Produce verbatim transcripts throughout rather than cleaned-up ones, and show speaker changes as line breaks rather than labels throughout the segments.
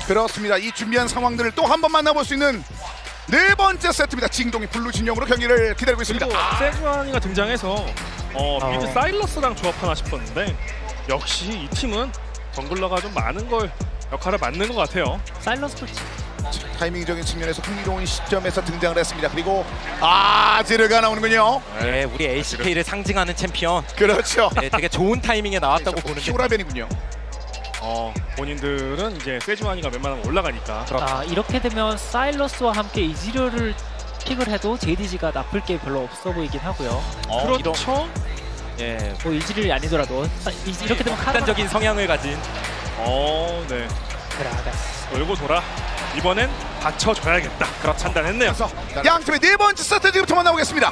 그렇습니다. 이 준비한 상황들을 또 한 번 만나볼 수 있는 네 번째 세트입니다. 징동이 블루 진영으로 경기를 기다리고 있습니다.
그리고 세주안이가 등장해서 어,
어.
미드 사일러스랑 조합하나 싶었는데 역시 이 팀은 정글러가 좀 많은 걸 역할을 맡는 것 같아요.
사일런스 풀치.
타이밍적인 측면에서 흥미로운 시점에서 등장을 했습니다. 그리고 아 지르가 나오는군요.
네, 우리 에이씨케이를 상징하는 챔피언.
그렇죠.
네, 되게 좋은 타이밍에 나왔다고 보는데.
피오라벤이군요.
어, 본인들은 이제 세주안이가 웬만하면 올라가니까
아, 이렇게 되면 사일러스와 함께 이지료를 픽을 해도 제이디지가 나쁠 게 별로 없어 보이긴 하고요.
어,
그렇죠.
이런, 예,
뭐 이지료이 아니더라도 사- 이- 이렇게 되면 카드가
극단적인 성향을 가진.
어, 네.
그라가스.
돌고 돌아 이번엔 받쳐줘야겠다. 그렇죠. 판단했네요.
그래서 양 팀의 네 번째 세트 지금부터 만나보겠습니다.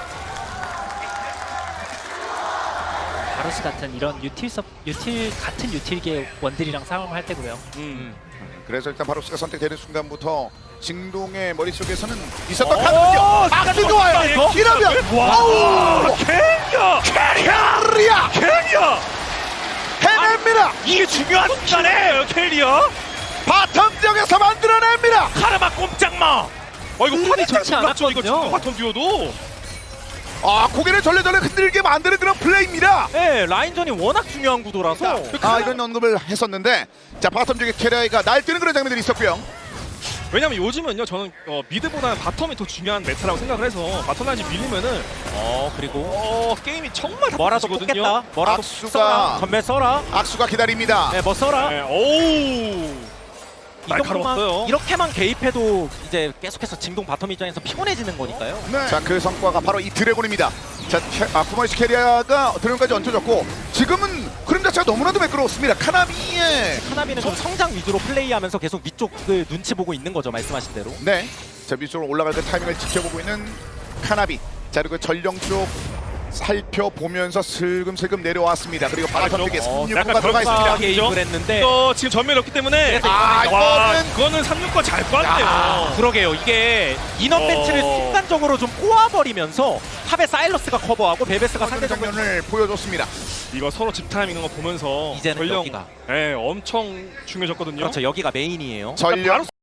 바로스 같은 이런 유틸 섭 유틸 같은 유틸계 원딜이랑 싸움을 할 때고요.
음.
그래서 일단 바로스가 선택되는 순간부터 징동의 머릿속에서는 있었던
오,
카드군요. 악수
이거
좋아요.
이거?
이러면
와,
어우
캐리어!
캐리아
캐리어!
해냅니다.
이게 중요한 순간에 캐리어!
바텀 지역에서 만들어냅니다.
카르마 꼼짝마! 어 이거 판이
좋지
잘 몰랐죠 이거
않았거든요.
지금 바텀 듀오도
아 고개를 절레절레 흔들게 만드는 그런 플레이입니다.
네, 라인전이 워낙 중요한 구도라서.
아 이런 언급을 했었는데 자 바텀 지역에 캐리아가 날뛰는 그런 장면들이 있었고요.
왜냐면 요즘은요 저는 어, 미드보다는 바텀이 더 중요한 메타라고 생각을 해서 바텀 라인이 밀리면은
어, 그리고
어 게임이 정말
뭐라도
답답해지거든요.
뽑겠다. 뭐라도
악수가-
써라. 전멸 써라.
악수가 기다립니다.
네, 뭐 써라.
네, 오우
이
날카로웠어요.
정도만 이렇게만 개입해도 이제 계속해서 징동 바텀 입장에서 피곤해지는 거니까요.
네. 자그 성과가 바로 이 드래곤입니다. 자 캐, 아, 쿠마이시 캐리아가 드래곤까지 얹혀졌고 지금은 흐름 자체가 너무나도 매끄러웠습니다. 카나미의
카나비는 좀 성장 위주로 플레이하면서 계속 위쪽을 눈치 보고 있는 거죠, 말씀하신 대로.
네. 자 위쪽으로 올라갈 그 타이밍을 지켜보고 있는 카나비. 자 그리고 전령 쪽 살펴보면서 슬금슬금 내려왔습니다. 그리고 바텀 쪽에
어,
삼
약간
육구가 들어가 있습니다.
개입을 했는데.
또 지금 전멸이 없기 때문에
그래서
아
와
이거는
그거는 삼육과 잘 빠네요.
그러게요. 이게 인원
어.
배치를 순간적으로 좀 꼬아버리면서 탑에 사일러스가 커버하고 베베스가
상대
상대적으로
장면을 보여줬습니다.
이거 서로 집타임 있는 거 보면서
이제는
전령
여기가.
예, 엄청 중요해졌거든요.
그렇죠. 여기가 메인이에요.
전령
바로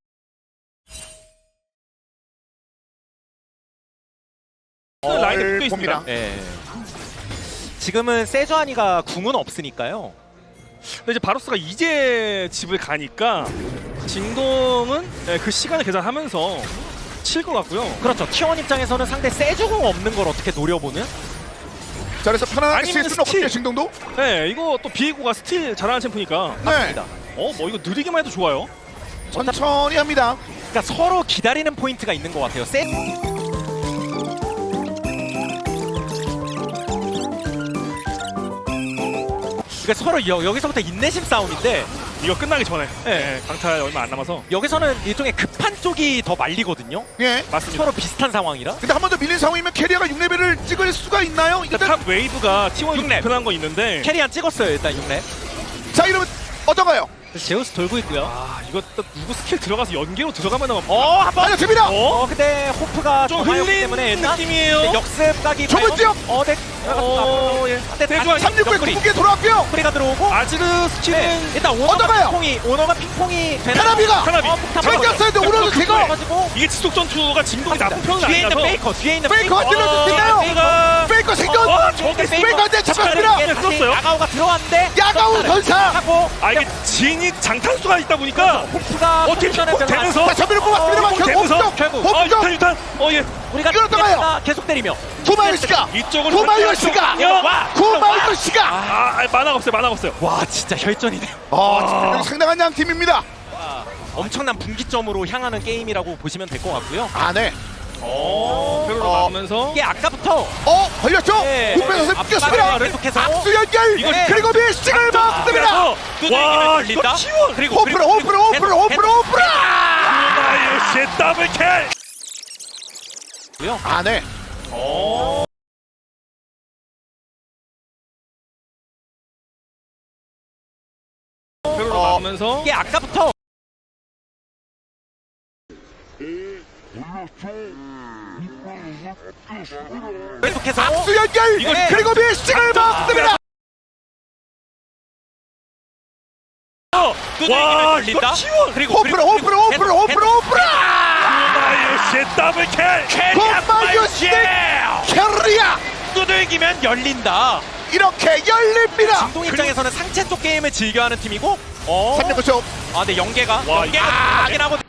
라인에
을
붙어 있습니다.
봅니다.
예. 지금은 세주아니가 궁은 없으니까요.
근데 이제 바로스가 이제 집을 가니까 징동은 예, 그 시간을 계산하면서 칠 것 같고요.
그렇죠. 티원 입장에서는 상대 세주궁 없는 걸 어떻게 노려보는?
자 그래서 편안하게
아니면
쓸 수는
스틸.
없거든요. 징동도.
네, 이거 또 비에고가 스틸 잘하는 챔프니까
네.
맞습니다.
어, 뭐 이거 느리기만 해도 좋아요.
천천히 합니다.
그러니까 서로 기다리는 포인트가 있는 것 같아요. 세... 그러니까 서로 여, 여기서부터 인내심 싸움인데
이거 끝나기 전에
네.
예, 강타 얼마 안 남아서
여기서는 일종의 급한 쪽이 더 말리거든요.
예.
맞습니다.
서로 비슷한 상황이라.
근데 한 번 더 밀린 상황이면 캐리아가 육 레벨을 찍을 수가 있나요?
일단
일단
탑 웨이브가 티원이
육 렙.
불편한 거 있는데
캐리안 찍었어요. 일단 육 렙.
자 이러면 어떤가요?
제우스 돌고 있고요.
아 이거 또 누구 스킬 들어가서 연계로 들어가면
어, 한 번.
알려줍니다.
어, 근데 호프가
좀
더 많이 없기
흘린
때문에 일단
느낌이에요.
네, 역습 각이
좁은
과연-
지역!
어, 네.
어, 예.
근데
대주환
삼육구에
옆구리.
궁극기에 돌아왔고요.
프리가 들어오고
아지르 스킬은
네, 일단 오너가
얻어가요.
핑퐁이 오너가 핑퐁이 되나?
카나비가
카나비.
어, 폭탄
챙겼어요. 근데 오너도 제거.
가지고
이게 지속 전투가 징동이 나쁜 편은
뒤에 있는
아니라서
페이커 뒤에 있는
페이커가
페이커.
찔러줄 수 있나요?
페이커가
페이커 생존.
어, 저게
페이커한테 잡혔습니다.
이게 다시
끌었어요?
야가오가 들어왔는데
야가우 전사.
하고
아 이게 진이 장탄수가 있다 보니까
호프가
어떻게
포지션에
픽
별로 안
되면서
자 전면을 뽑았습니다만
어,
결국
되면서
홈쪽.
결국.
어
홈쪽.
유탄 유탄 어예
우리가
끌었다가요.
계속- 계속 때리며
구마유시가.
이쪽으로
구마유시가.
와
구마유시가.
아, 아 만화가 없어요 만화가 없어요
와 진짜 혈전이네요.
아 여기 상당한 양 팀입니다.
엄청난 분기점으로 향하는 게임이라고 보시면 될 것 같고요.
아 네.
어 페로로
어.
막으면서
이게 아까부터
어 걸렸죠?
네.
국배선수
앞-
뛰었습니다.
앞- 계속해서
악수 연결.
이거-
그리고 밀식을 먹습니다.
와
와
이거
이거
치원
그리고
호프로 호프로 호프로 호프로 호프로.
아유씨 더블킬
아 네.
어 페로로
어.
막으면서
이게 아까부터 계속해서
악수 연결.
이거-
그리고 밀식을 먹습니다.
와,
열린다.
이거 키워.
그리고
호프로 호프로 호프로 호프로 호프로
마유시 더블 킬.
곰마유시 캐리야
두들기면 열린다.
이렇게 열립니다.
진동 입장에서는 상체 쪽 게임을 즐겨하는 팀이고, 어.
삼 점 구 초.
아, 네 연계가
와,
연계가
아,
하긴 하고.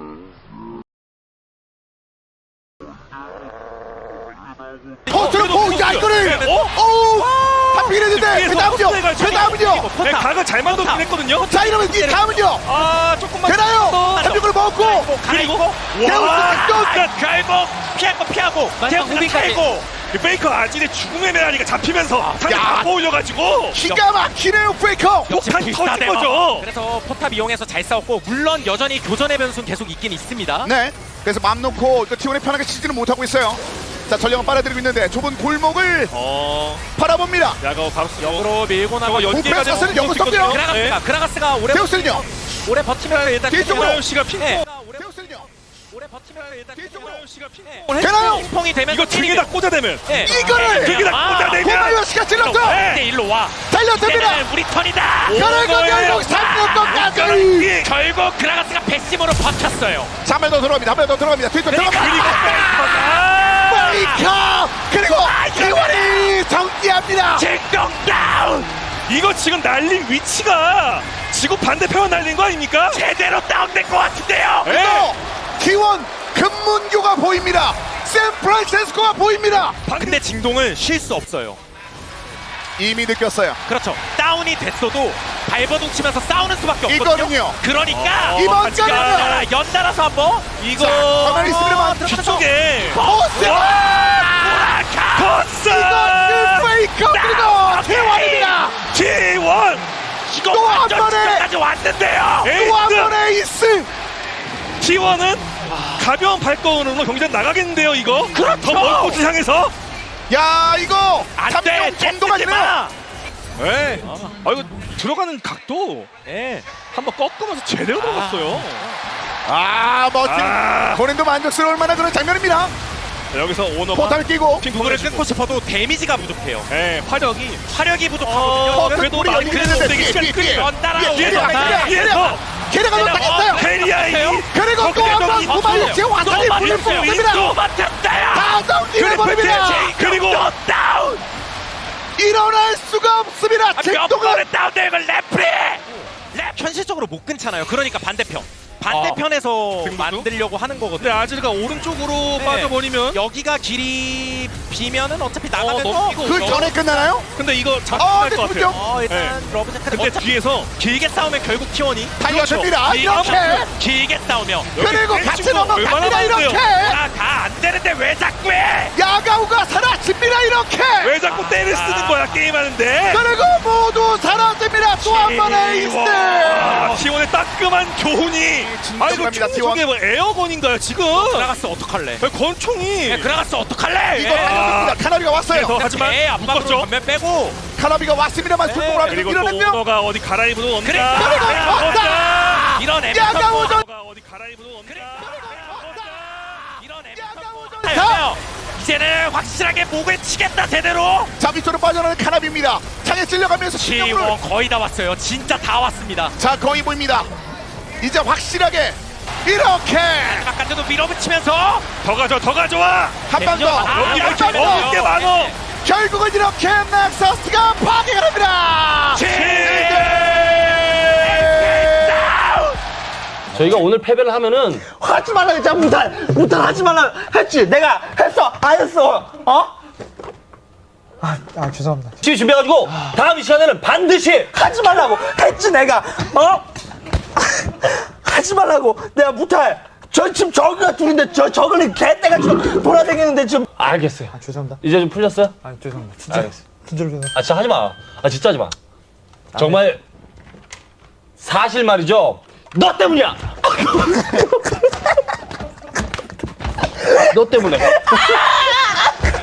포트로 포야 이거를 어우 하필 했는데 그 다음은요 그 다음은요
네, 각을 잘 만들긴 했거든요.
자 이러면 이 다음은요
아, 조금만
되나요? 삼육을 먹고
그리고
데우스
와,
끝!
결국 피하고 피하고
마지막
데우스가
무빙까지.
피하고.
페이커 아질의 죽음의 메아리가 잡히면서 상대
야.
다 올려가지고
기가 막히네요 페이커.
역시
폭탄 터진
비슷하네요.
거죠.
그래서 포탑 이용해서 잘 싸웠고, 물론 여전히 교전의 변수는 계속 있긴 있습니다.
네 그래서 맘 놓고 티원이 편하게 치지는 못하고 있어요. 자 전령은 빨아들이고 있는데 좁은 골목을
어,
바라봅니다.
야가 바로 쓰고.
역으로 밀고 나가.
저거 연계가
오프레스
되면
연구
볼수 있거든요.
섞여요.
그라가스가 그라가스가 오래
데우스는요
오래 버티면 일단
뒤쪽으로.
마유 씨가 핑.
네.
데우스는요
오래 버티면 일단
뒤쪽으로.
마유 씨가 핑.
되나요?
핑퐁이 되면
이거 두 개 다 꽂아대면.
네.
이거를
두 개 다 꽂아대면.
고마요시가 찔렀어
네.
일로 와.
달려듭니다.
이제는 우리 턴이다.
결국 결국 삼 점 건까지
결국 그라가스가 배심으로 버텼어요.
자, 한 번 더 들어갑니다. 한 번 더 들어갑니다. 뒤쪽
그리고
들어갑니다. 페이커 그리고 티원이 정리합니다.
진동 다운.
이거 지금 날린 위치가 지구 반대편을 날린 거 아닙니까?
제대로 다운된 것 같은데요.
네.
또 티원 금문교가 보입니다. 샌프란시스코가 보입니다.
근데 진동은 쉴 수 없어요.
이미 느꼈어요.
그렇죠. 다운이 됐어도 발버둥 치면서 싸우는 수밖에 없거든요.
이거는요.
그러니까
어,
이번
같이
거는요.
가.
연달아, 연달아서 한번
이거
자, 가만히 있으면
뒤쪽에
포스
코스
이건 페이커 그리고 티원입니다.
티원
이거
또 한
완전
번에!
지금까지 왔는데요.
또 한
에이스
번의 에이스.
티원은 가벼운 발걸음으로 경기장 나가겠는데요. 이거
그렇죠.
더 먼 곳을 향해서.
야 이거
안돼.
정도가 되네요.
네. 아 이거 들어가는 각도
네.
한번 꺾으면서 제대로 들어갔어요.
아 멋진
아.
본인도 만족스러울 만한 그런 장면입니다.
자, 여기서 오너가
포탈 끼고
핑퐁을 끊고 싶어도 데미지가 부족해요.
네, 화력이
화력이 부족하거든요.
어,
포탈
그래도
뿌리
나중에
열리는데
되게
뒤에
시간이
뒤에
끌려.
뒤에
연달아
뒤에 뒤에
오면서
뒤에 뒤에
뒤에서
걔네가 놓다겠어요.
헤리아이
그리고 또 한 번 구마유치 완전히 불을 뽑습니다.
또 맞췄어요.
다운 잃어버립니다.
그리고
또 다운.
일어날 수가 없습니다.
몇
잭동은
번을 다운되고 래프리. 랩 현실적으로 못 끊잖아요. 그러니까 반대편. 반대편에서
등록도?
만들려고 하는 거거든요.
근데 아즈가 오른쪽으로
네.
빠져버리면
여기가 길이 비면은 어차피
어,
나가면서
넘기고
그 전에 끝나나요?
근데 이거
어,
잡힐
네,
것
그렇죠.
같아요.
어, 일단 러브 제카드
근데
어차피
뒤에서
길게 싸우면 결국 티원이
달려듭니다.
길게
이렇게
싸우면- 길게 싸우면
그리고
여기
같이
땡치고 얼마나
넘어갑니다. 이렇게
많은데요?
아다안 되는데 왜 자꾸 해?
야가우가 사라집니다. 이렇게
왜 자꾸 때를 쓰는 거야 게임하는데?
그리고 모두 사라집니다. 또 한 번의 에이스.
아, T1의 따끔한 교훈이. 아 이거
갑니다,
총 저게 뭐 에어건인가요 지금?
그라가스 어떡할래?
아, 권총이.
그라가스 어떡할래?
이거 달려듭니다. 카나비가 왔어요.
그래서 하지만
배 압박으로
묶었죠.
전면 빼고
카나비가 왔습니다만 출동을 하면서
그리고 또
밀어냈며
오너가 어디 갈아입으러 온다.
그래,
그리고 걷다.
이런 애
야가우전
오너가 어디 갈아입으러 온다.
이런 애
야가우전
자, 이제는 확실하게 목을 치겠다 제대로.
자 밑으로 빠져나가는 카나비입니다. 창에 찔려가면서 신경을
지원 거의 다 왔어요. 진짜 다 왔습니다.
자 거의 보입니다. 이제 확실하게 이렇게
바깥에도 밀어붙이면서
더 가져 더 가져와.
한 방 더.
아,
여기
한
이렇게
방 더.
먹을 게 많어.
결국은 이렇게 넥서스가 파괴가 됩니다.
저희가 오늘 패배를 하면은
하지 말라 했잖아. 무탈 무탈 하지 말라 했지. 내가 했어 안 했어. 어? 아, 아 죄송합니다.
열심히 준비해가지고 다음 이 시간에는 반드시
하지 말라고 했지 내가. 어? 하지 말라고. 내가 무탈. 저 지금 저기가 둘인데 저 저거는 개떼가 지금 돌아다니는데 지금.
알겠어요.
아 죄송합니다.
이제 좀 풀렸어요?
아 죄송합니다. 진짜
알겠어.
진짜로 죄송.
아 진짜 하지 마. 아 진짜 하지 마. 정말 사실 말이죠. 너 때문이야. 너 때문에.